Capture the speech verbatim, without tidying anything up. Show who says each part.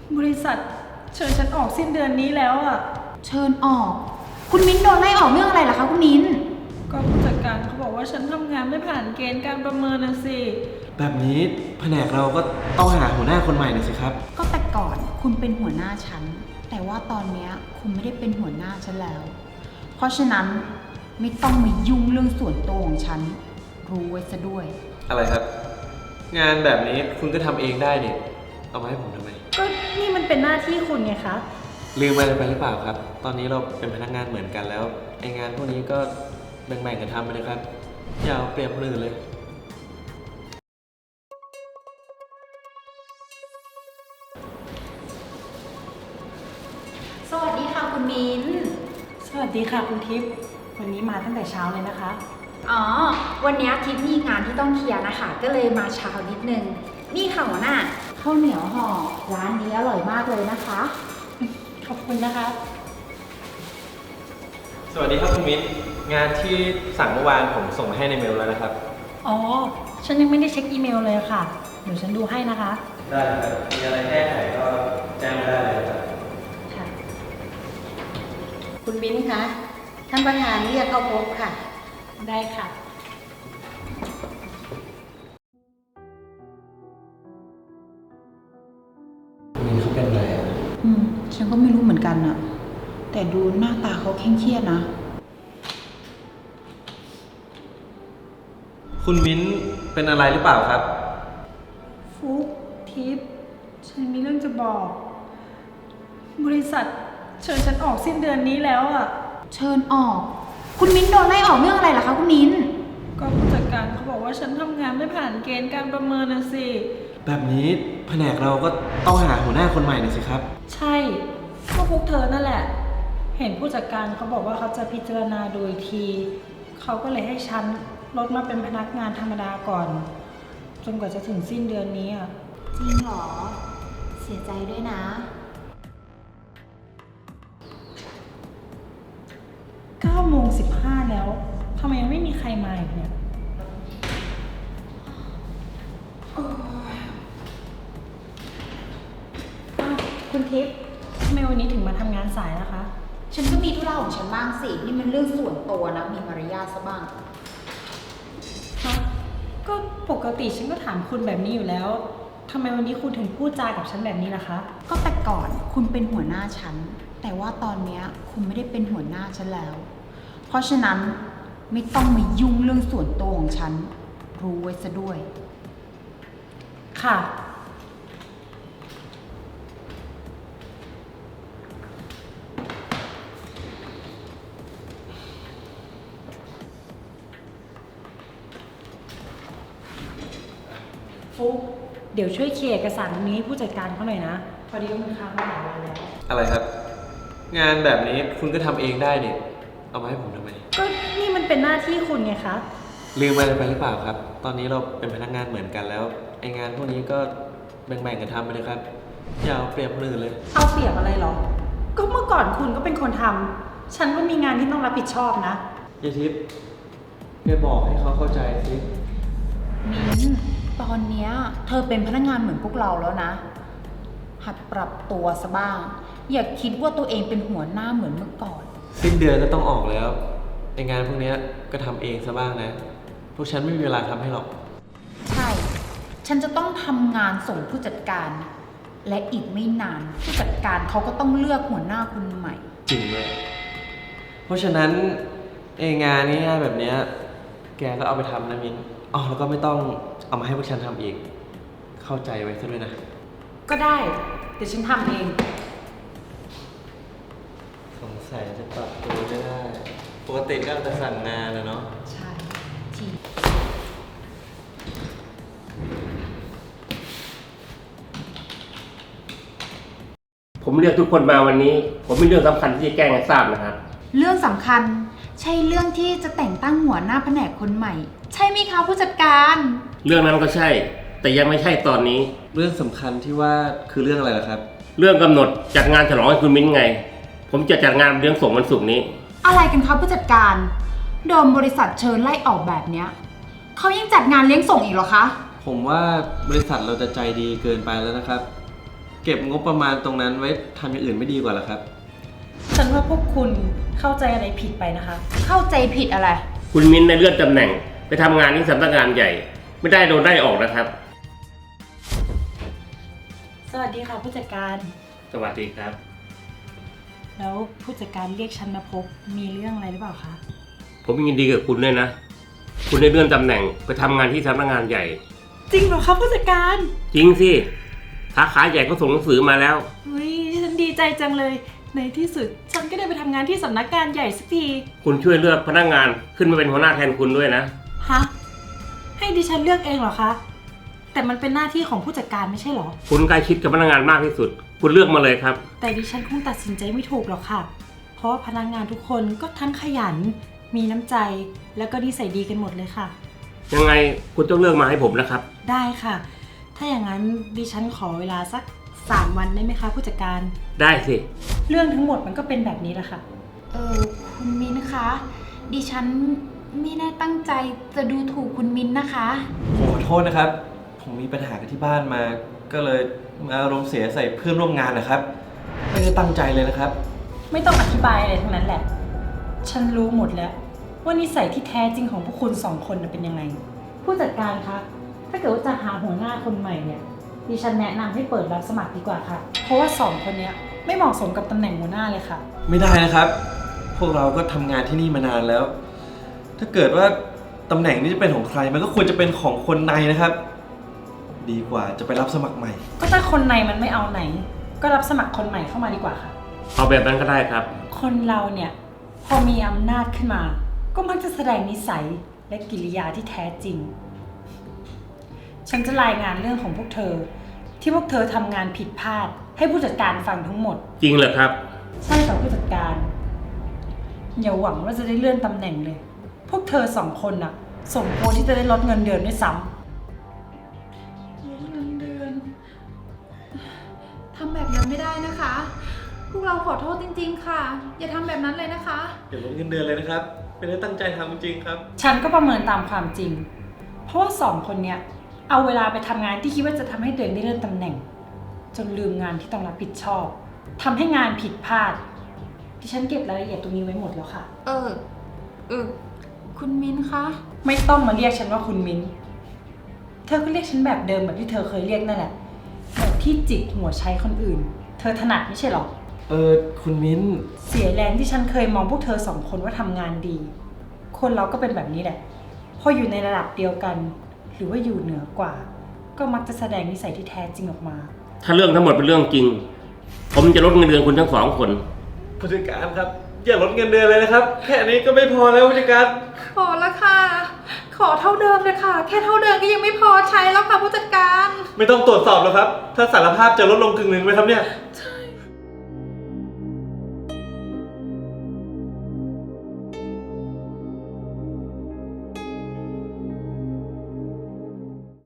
Speaker 1: บริษัทเชิญฉันออกสิ้นเดือนนี้แล้วอ่ะ
Speaker 2: เชิญออกคุณมิ้นโดนไล่ออกเรื่องอะไรล่ะคะคุณมิ้น
Speaker 1: ก็ผู้จัดการเขาบอกว่าฉันทำงานไม่ผ่านเกณฑ์การประเมินนะสิ
Speaker 3: แบบนี้แผนกเราก็ต้องหาหัวหน้าคนใหม่หน่อยสิครับ
Speaker 2: ก็แต่ก่อนคุณเป็นหัวหน้าฉันแต่ว่าตอนนี้คุณไม่ได้เป็นหัวหน้าฉันแล้วเพราะฉะนั้นไม่ต้องมายุ่งเรื่องส่วนตัวของฉันรู้ไว้ซะด้วย
Speaker 3: อะไรครับงานแบบนี้คุณก็ทำเองได้เนี่ยเอามาให้ผมทำไม
Speaker 1: ก็นี่มันเป็นหน้าที่คุณไงคะ
Speaker 3: ลืมอะไรไปหรือเปล่าครับตอนนี้เราเป็นพนักงานเหมือนกันแล้วไองานพวกนี้ก็แบ่งๆกันทำไปเลยครับอย่าเอาเปรียบคนอื่นเลย
Speaker 2: สวัสดีค่ะคุณมิ้น
Speaker 1: สวัสดีค่ะคุณทิพย์วันนี้มาตั้งแต่เช้าเลยนะคะ
Speaker 2: อ๋อวันนี้ทิพย์มีงานที่ต้องเคลียร์นะคะก็เลยมาเช้านิดนึงนี่ค่ะหัวหน้าข้าวเหนียวห่อร้านนี้อร่อยมากเลยนะคะ
Speaker 1: ขอบคุณนะคะ
Speaker 3: สวัสดีครับคุณมิ้นงานที่สั่งเมื่อวานผมส่งมาให้ในเมลแล้วนะครับ
Speaker 1: อ๋อฉันยังไม่ได้เช็คอีเมลเลยค่ะเดี๋ยวฉันดูให้นะคะ
Speaker 3: ได้ครับมีอะไรแก้ไขก็แจ้งมาได้เลยครับ
Speaker 1: ค่ะ
Speaker 4: คุณมิ้นคะท่านประธานเรียกเข้าพบค่ะ
Speaker 1: ได้ค่ะ
Speaker 3: คุณมิ้นเขาเป็นอะไรอ่ะ
Speaker 2: อืมฉันก็ไม่รู้เหมือนกันอะแต่ดูหน้าตาเขาเคร่งเครียดนะ
Speaker 3: คุณมิ้นเป็นอะไรหรือเปล่าครับ
Speaker 1: ฟุ๊กทิพย์ฉันมีเรื่องจะบอก บริษัทเชิญฉันออกสิ้นเดือนนี้แล้วอ่ะ
Speaker 2: เชิญออกคุณมิ้นโดนไล่ออกเรื่องอะไรล่ะคะคุณมิ้น
Speaker 1: ก็ผู้จัดการเขาบอกว่าฉันทำงานไม่ผ่านเกณฑ์การประเมินนะสิ
Speaker 3: แบบนี้แผนกเราก็ต้องหาหัวหน้าคนใหม่หน่อยสิครับ
Speaker 1: ใช่ก็พวกเธอนั่นแหละเห็นผู้จัดการเขาบอกว่าเขาจะพิจารณาโดยทีเขาก็เลยให้ฉันลดมาเป็นพนักงานธรรมดาก่อนจนกว่าจะถึงสิ้นเดือนนี้อ่ะ
Speaker 2: จริงเหรอเสียใจด้วยนะ
Speaker 1: เก้าโมงสิบห้าแล้วทำไมยังไม่มีใครมาอีกเนี่ยคุณทิพย์ทำไมวันนี้ถึงมาทำงานสายนะคะ
Speaker 2: ฉันก็มีธุระของฉันบ้างสินี่มันเรื่องส่วนตัวนะมีมารยาทซะบ้าง
Speaker 1: ก็ปกติฉันก็ถามคุณแบบนี้อยู่แล้วทำไมวันนี้คุณถึงพูดจากับฉันแบบนี้ล่ะคะ
Speaker 2: ก็แต่ก่อนคุณเป็นหัวหน้าฉันแต่ว่าตอนนี้คุณไม่ได้เป็นหัวหน้าฉันแล้วเพราะฉะนั้นไม่ต้องมายุ่งเรื่องส่วนตัวของฉันรู้ไว้ซะด้วย
Speaker 1: ค่ะฟุ๊กเดี๋ยวช่วยเคลียร์เอกสารนี้ให้ผู้จัดการเขาหน่อยนะพอดีว่ามันค้างมาหลายวันแล้ว
Speaker 3: อะไรครับงานแบบนี้คุณก็ทำเองได้เนี่ยเอามาให้ผมทำไม
Speaker 1: ก็นี่มันเป็นหน้าที่คุณไงคะ
Speaker 3: ลืมอะไรไปหรือเปล่าครับตอนนี้เราเป็นพนักงานเหมือนกันแล้วไองานพวกนี้ก็แบ่งๆกันทำไปเลยครับอย่าเอาเปรียบคนอื่นเลย
Speaker 1: เอาเปรียบอะไรหรอก็เมื่อก่อนคุณก็เป็นคนทำฉันก็มีงานที่ต้องรับผิดชอบนะ
Speaker 3: ยายทิพย์แกบอกให้เขาเข้าใจสิ
Speaker 2: มิ้นตอนเนี้ยเธอเป็นพนักงานเหมือนพวกเราแล้วนะหัดปรับตัวซะบ้างอย่าคิดว่าตัวเองเป็นหัวหน้าเหมือนเมื่อก่อน
Speaker 3: สิ้นเดือนก็ต้องออกแล้วไองานพวกนี้ก็ทำเองซะบ้างนะพวกฉันไม่มีเวลาทำให้หรอก
Speaker 2: ใช่ฉันจะต้องทำงานส่งผู้จัดการและอีกไม่นานผู้จัดการเขาก็ต้องเลือกหัวหน้าคนใหม่
Speaker 3: จริงเลยเพราะฉะนั้นไองานง่ายๆแบบนี้แกก็เอาไปทำนะมิ้นอ๋อแล้วก็ไม่ต้องเอามาให้พวกฉันทำอีกเข้าใจไว้ซะด้วยนะ
Speaker 1: ก็ได้เดี๋ยวฉันทำเอง
Speaker 3: สงสัยจะปรับตัวไม่ได้ปกติก็จะสั่งงานแล้วเนาะ
Speaker 1: ใช่จริง
Speaker 5: ผมเรียกทุกคนมาวันนี้ผมมีเรื่องสำคัญที่จะแจ้งให้ทราบนะครับ
Speaker 2: เรื่องสำคัญใช่เรื่องที่จะแต่งตั้งหัวหน้าแผนกคนใหม่ใช่ไหมคะผู้จัดการ
Speaker 5: เรื่องนั้นก็ใช่แต่ยังไม่ใช่ตอนนี้
Speaker 3: เรื่องสำคัญที่ว่าคือเรื่องอะไรล่ะครับ
Speaker 5: เรื่องกำหนดจัดงานฉลองให้คุณมิ้นไงผมจะจัดงานเลี้ยงส่งวันศุกร์นี้
Speaker 2: อะไรกันครับผู้จัดการโดนบริษัทเชิญไล่ออกแบบเนี้ยเขายังจัดงานเลี้ยงส่งอีกเหรอคะ
Speaker 3: ผมว่าบริษัทเราจะใจดีเกินไปแล้วนะครับเก็บงบประมาณตรงนั้นไว้ทำอย่างอื่นไม่ดีกว่าเหรอครับ
Speaker 1: ฉันว่าพวกคุณเข้าใจอะไรผิดไปนะคะ
Speaker 2: เข้าใจผิดอะไร
Speaker 5: คุณมิ้นท์ในเลื่อนตำแหน่ง ไปทำงานที่สำนักงานใหญ่ ไม่ได้โดนได้ออกนะครับ
Speaker 1: สวัสดีค่ะผู้จัดการ
Speaker 5: สวัสดีครับ
Speaker 1: แล้วผู้จัดการเรียกฉันมาพบมีเรื่องอะไรหรือเปล่าคะ
Speaker 5: ผมยินดีกับคุณด้วยนะ คุณได้เลื่อนตำแหน่งไปทำงานที่สำนักงานใหญ่
Speaker 1: จริงเหรอคะผู้จัดการ
Speaker 5: จริงสิสาขาใหญ่เขาส่งหนังสือมาแล้ว
Speaker 1: เฮ้ยฉันดีใจจังเลย ในที่สุดฉันก็ได้ไปทำงานที่สำนักงานใหญ่สักที
Speaker 5: คุณช่วยเลือกพนักงานขึ้นมาเป็นหัวหน้าแทนคุณด้วยนะ
Speaker 1: ฮะ ให้ดิฉันเลือกเองเหรอคะ แต่มันเป็นหน้าที่ของผู้จัดการไม่ใช่เหรอ
Speaker 5: คุณใกล้ชิดกับพนักงานมากที่สุด คุณเลือกมาเลยครับ
Speaker 1: แต่ดิฉันคงตัดสินใจไม่ถูกหรอกค่ะ เพราะว่าพนักงานทุกคนก็ทั้งขยัน มีน้ำใจ แล้วก็นิสัยดีกันหมดเลยค่ะ
Speaker 5: ยังไงคุณต้องเลือกมาให้ผมนะครับ
Speaker 1: ได้ค่ะ ถ้าอย่างนั้นดิฉันขอเวลาสักสามวันได้ไหมคะผู้จัดการ
Speaker 5: ได้สิ
Speaker 1: เรื่องทั้งหมดมันก็เป็นแบบนี้แหละค่ะ
Speaker 2: เออคุณมิ้นคะ ดิฉันไม่ได้ตั้งใจจะดูถูกคุณมิ้นนะคะ
Speaker 3: ผมขอโทษนะครับ ผมมีปัญหากับที่บ้านมา ก็เลยมาอารมณ์เสียใส่เพื่อนร่วมงานนะครับ ไม่ได้ตั้งใจเลยนะครับ
Speaker 1: ไม่ต้องอธิบายอะไรทั้งนั้นแหละ ฉันรู้หมดแล้ว ว่านิสัยที่แท้จริงของพวกคุณสองคนน่ะเป็นยังไง ผู้จัดการคะ ถ้าเกิดว่าจะหาหัวหน้าคนใหม่เนี่ย ดิฉันแนะนำให้เปิดรับสมัครดีกว่าค่ะ เพราะว่าสองคนเนี้ยไม่เหมาะสมกับตำแหน่งหัวหน้าเลยค่ะ
Speaker 3: ไม่ได้นะครับ พวกเราก็ทำงานที่นี่มานานแล้ว ถ้าเกิดว่าตำแหน่งนี้จะเป็นของใคร มันก็ควรจะเป็นของคนในนะครับ ดีกว่าจะไปรับสมัครใหม่
Speaker 1: ก็ถ้าคนในมันไม่เอาไหน ก็รับสมัครคนใหม่เข้ามาดีกว่าค่ะ
Speaker 5: เอาแบบนั้นก็ได้ครับ
Speaker 1: คนเราเนี่ยพอมีอำนาจขึ้นมา ก็มักจะแสดงนิสัยและกิริยาที่แท้จริง ฉันจะรายงานเรื่องของพวกเธอ ที่พวกเธอทำงานผิดพลาด ให้ผู้จัดการฟังทั้งหมด
Speaker 5: จริงเหรอครับ
Speaker 1: ใช่ค่ะผู้จัดการ อย่าหวังว่าจะได้เลื่อนตำแหน่งเลย พวกเธอสองคนน่ะสมควรที่จะได้ลดเงินเดือนด้วยซ้ำลดเงินเดือน
Speaker 6: ทำแบบนั้นไม่ได้นะคะ พวกเราขอโทษจริงๆค่ะ อย่าทำแบบนั้นเลยนะคะ
Speaker 3: อย่าลดเงินเดือนเลยนะครับ ไม่ได้ตั้งใจทำจริงๆครับ
Speaker 1: ฉันก็ประเมินตามความจริง เพราะว่าสองคนเนี้ยเอาเวลาไปทำงานที่คิดว่าจะทำให้ตัวเองได้เลื่อนตำแหน่ง จนลืมงานที่ต้องรับผิดชอบทำให้งานผิดพลาดที่ฉันเก็บรายละเอียดตรงนี้ไว้หมดแล้วค่ะ
Speaker 6: เออ เออ คุณมิ้นคะ
Speaker 1: ไม่ต้องมาเรียกฉันว่าคุณมิ้น เธอก็เรียกฉันแบบเดิมแบบที่เธอเคยเรียกนั่นแหละแบบที่จิกหัวใช้คนอื่น เธอถนัดไม่ใช่หรอ
Speaker 3: เออคุณมิ้น
Speaker 1: เสียแรงที่ฉันเคยมองพวกเธอสองคนว่าทำงานดี คนเราก็เป็นแบบนี้แหละ พออยู่ในระดับเดียวกัน หรือว่าอยู่เหนือกว่า ก็มักจะแสดงนิสัยที่แท้จริงออกมา
Speaker 5: ถ้าเรื่องทั้งหมดเป็นเรื่องจริง ผมจะลดเงินเดือนคุณทั้งสองคน
Speaker 3: ผู้จัดการครับ อย่าลดเงินเดือนเลยนะครับ แค่นี้ก็ไม่พอแล้วผู้จัดการ
Speaker 6: พอแล้วค่ะ ขอเท่าเดิมเลยค่ะ แค่เท่าเดิมก็ยังไม่พอใช้แล้วค่ะผู้จัดการ
Speaker 3: ไม่ต้องตรวจสอบแล้วครับ ถ้าสารภาพจะลดลงกึ่งหนึ่งไหมครับเนี่ย
Speaker 6: ใช่